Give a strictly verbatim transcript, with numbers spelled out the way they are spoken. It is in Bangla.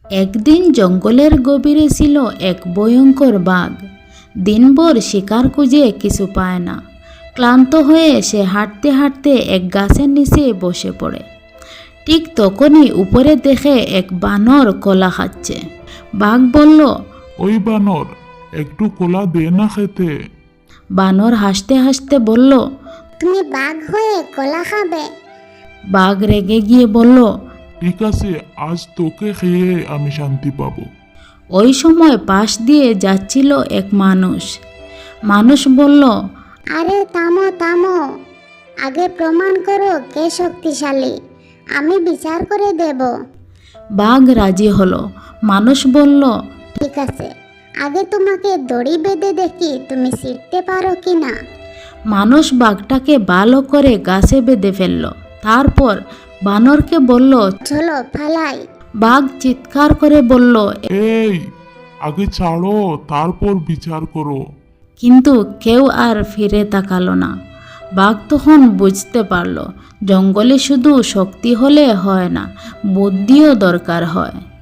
একদিন জঙ্গলের গভীরে ছিল এক ভয়ঙ্কর বাঘ। দিনভর শিকার খুঁজে কিছু পায় না। ক্লান্ত হয়ে সে হাঁটতে হাঁটতে এক গাছের নিচে বসে পড়ে। ঠিক তখনই উপরে দেখে এক বানর কলা খাচ্ছে। বাঘ বলল, ওই বানর, একটু কলা দে না খেতে। বানর হাসতে হাসতে বলল, তুমি বাঘ হয়ে কলা খাবে? বাঘ রেগে গিয়ে বলল, ঠিক আছে, আজ তোকে খেয়ে আমি শান্তি পাবো। ওই সময় পাশ দিয়ে যাচ্ছিল এক মানুষ। মানুষ বলল, আরে থামো থামো, আগে প্রমাণ করো কে শক্তিশালী, আমি বিচার করে দেব। বাঘ রাজি হলো। মানুষ বলল, ঠিক আছে, আগে তোমাকে দড়ি বেঁধে দেখি তুমি শিখতে পারো কি না। মানুষ বাঘটাকে ভালো করে গাছে বেঁধে ফেলল। তারপর বানরকে বলল, চলো ফালাই। বাঘ চিৎকার করে বলল, এই, আগে ছাড়ো, তারপর বিচার করো। কিন্তু কেউ আর ফিরে তাকালো না। বাঘ তখন বুঝতে পারল, জঙ্গলে শুধু শক্তি হলে হয় না, বুদ্ধিও দরকার হয়।